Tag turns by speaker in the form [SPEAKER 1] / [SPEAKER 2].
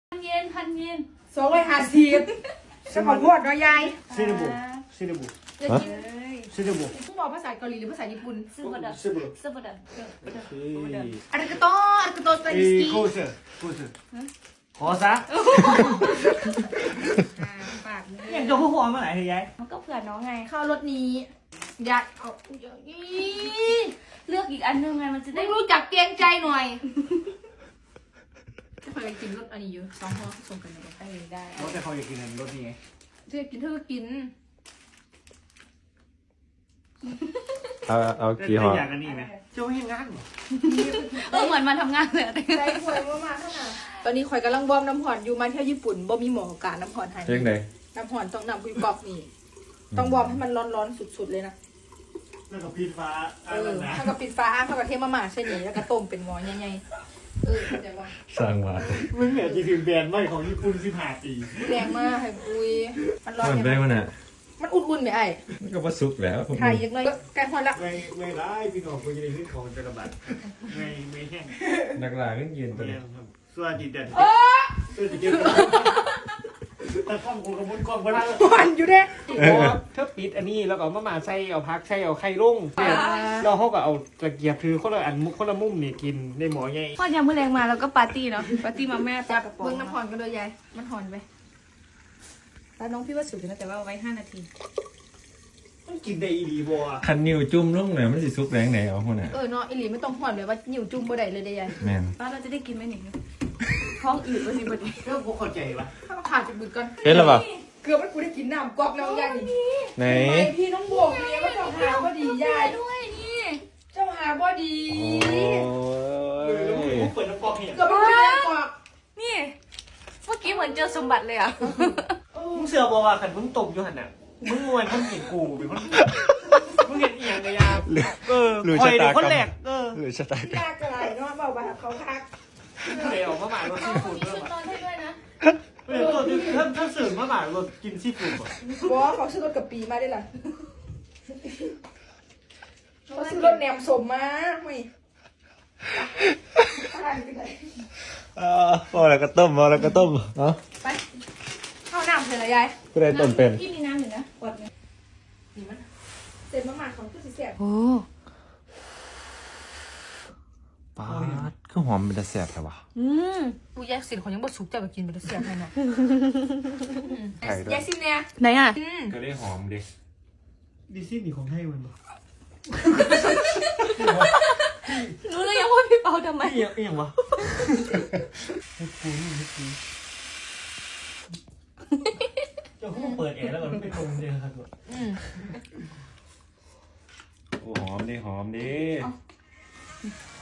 [SPEAKER 1] 1,000 เยน
[SPEAKER 2] 250จะของงวดเนาะยาย
[SPEAKER 3] ซิลิบุซิลิบุ
[SPEAKER 1] จะกินเลย
[SPEAKER 3] ซิลิบุ
[SPEAKER 2] ต้องบอกภาษาเกาหลีหรือภาษาญี่ปุ่น
[SPEAKER 1] ซื้อมาดับ
[SPEAKER 3] ซิลิบุ
[SPEAKER 1] ซื้อมาดับ
[SPEAKER 2] อาริกาโตสเปนสกี
[SPEAKER 3] โคเซขอซะ
[SPEAKER 2] ปากนี่
[SPEAKER 3] ยังจะพูดหัวมาไหนเฮ้ยยาย
[SPEAKER 1] มันก็เผื่อน้องไง
[SPEAKER 2] เข้ารถนี้อยากเอาอี
[SPEAKER 1] เลือกอีกอันนึงไงมันจะ
[SPEAKER 2] ได้
[SPEAKER 1] ได้
[SPEAKER 2] รู้จักเกรงใจหน่อยถ้าเคยกินรสอันนี้อยู่2 ห่อส่งกันได้
[SPEAKER 3] รถแต่เขาอยากกินรถนี้ไง
[SPEAKER 2] เธอกินเธอก็กิน
[SPEAKER 4] เอากี่ห่อ
[SPEAKER 3] อยากกันนี่ไหมเจ้าให้งาน
[SPEAKER 1] เหมือนมาทำงานเลย
[SPEAKER 2] ใจป่วยมากๆขนาดตอนนี้ข่อยกำลังวอร์มน้ำห่อนอยู่มาเที่ยวญี่ปุ่นบ่มีหมอการน้ำห่อนให้
[SPEAKER 4] เรื่องไหน
[SPEAKER 2] น้ำห่อนต้องนำคุยกอกนี่ต้องวอร์มให้มันร้อนๆสุดๆเลยนะ
[SPEAKER 3] แล้วก็พีฟ้าอะไรนะ
[SPEAKER 2] ถ้ากับปิดฟ้าถ้ากับเทมาม่าเช่นนี้แล้วก็ต้มเป็นหม้อใหญ่ๆเข้าใจว่า
[SPEAKER 4] สร้างมา
[SPEAKER 3] มึงเนี่ยจะถึงแบรนด์ใหม่ของญี่ปุ่น15 ปี
[SPEAKER 2] แรงมากให้คุยมันร้อน
[SPEAKER 4] มันได้มันอ่ะ
[SPEAKER 2] มันอุ่นๆไหมไอ้
[SPEAKER 4] มันก็ว่าสุกแล้วผม
[SPEAKER 2] ถ่ายยังไงแกงฮอนละ
[SPEAKER 3] ไม่ร้ายพี่น้องคนจะได้ขึ้นของจะระบาดไม่แห้ง
[SPEAKER 4] นักล่าก็ยืนตัวนี้
[SPEAKER 3] ส่วนจิตเด่นส่วนจิตเด่นแต่ข้องกูกระมุนกล้องไปแล้ว
[SPEAKER 2] หอนอยู่เด้
[SPEAKER 3] เธอปิดอันนี้แล้วก็มาใส่เอาพักใส่เอาไข่ลุ่งเราเขาก็เอาตะเกียบถือคนละอันคนละมุมนี่กินในหมอใหญ่
[SPEAKER 1] พอยามมื้อแรงมาแล้วก็ปาร์ตี้เนาะปาร์ตี้มาแม่ปลากระป๋อง
[SPEAKER 2] เบิ่งน้ำหอนกันเลยยายมันหอนไปแล้วน้องพี่ว่าสุดนะแต่ว่าเอาไว้5 นาที
[SPEAKER 3] มันกินได้อีหลีบัว
[SPEAKER 4] คันนิ้วจุ่มลงหน่อยมันสิสุกแรงไหนเอาหัวน่ะ
[SPEAKER 2] เนาะอีหลีไม่ต้องหอนเลยว่านิ่วจุ่มบ่ได้เลยเด้ยาย
[SPEAKER 4] แม่น
[SPEAKER 1] ป้าเราจะได้กินไหมเนี่ยท้องอืดวันนี้วันนี้
[SPEAKER 3] เรื่องพวกเข้าใจปะ
[SPEAKER 2] ถ้าขาดจะบึดก่อน
[SPEAKER 4] เห็นหรือเปล่า
[SPEAKER 2] เกือบมันกูได้กินน้ำกอกแล้วยายนี่
[SPEAKER 4] ไหน
[SPEAKER 2] ทำไมพี่น้องบวกเนี่ยว่าเจ้าหาบ่ดียาย
[SPEAKER 1] ด้วยนี่
[SPEAKER 2] เจ้าหาบ่ดี
[SPEAKER 4] โอ้ย
[SPEAKER 3] ผมเปิดน้ำกอกเนี่ย
[SPEAKER 2] เกือบมันกูได้กอก
[SPEAKER 1] นี่เมื่อกี้เหมือนเจอสมบัติเลยอ่ะ
[SPEAKER 3] มึงเสือบอกว่าขันมึงตกอยู่หันน่ะมึงวันมึงเห็นกูเป็นคนมึงเห็นอีหยังกะยาคอยเดี๋ยวคนแหลก
[SPEAKER 4] หรือชะตากรรม
[SPEAKER 2] ยากอะไรเนาะเบาไปเขาคัก
[SPEAKER 3] เดี๋ยวมาหมายรถซีฟู้ด
[SPEAKER 1] มี
[SPEAKER 3] เพิ่ม
[SPEAKER 1] ชุดนอนให้ด้วยนะ
[SPEAKER 3] เดี๋ยวตัวถ้าสื่อมาหมายรถกินซีฟู้ดป่ะ
[SPEAKER 2] บอเขาซื้อรถกับปีมาได้ล่ะเขาซื้อรถแหนมสมมาไม่อะไรไปไหน
[SPEAKER 4] พอแล้วก็ต้มพอแล้วก็ต้มเนาะ
[SPEAKER 2] ไปเข้าน้ำเสร็จแล้วยาย
[SPEAKER 4] ก็ได้ต้มเป็น
[SPEAKER 1] พี่มีน้ำอยู่นะกดเลย
[SPEAKER 2] นี่มันเสร็จมาหมาของคือสิเสียบ
[SPEAKER 1] โอ้
[SPEAKER 4] ปาดก็หอมเป็นตะแสบแต่ว่า
[SPEAKER 2] กูแยกสินของยังบ่สุกจะไปกินไปแล้วเสียบให้เนาะ
[SPEAKER 4] ไข่ด้วย
[SPEAKER 2] แยกสินเนี่ย
[SPEAKER 1] ไหนอ่ะ
[SPEAKER 4] ก็ได้หอมดิ
[SPEAKER 3] ดิซี่นี่ของให้มันป่ะ
[SPEAKER 1] รู้เลยยังว่าพี่เปาทำไม
[SPEAKER 3] อีหยังวะให้กูเจ้าเขาเปิดแอร์แล้วก็ไปตรงเลยครับ
[SPEAKER 4] โอ้หอมดิหอมดิ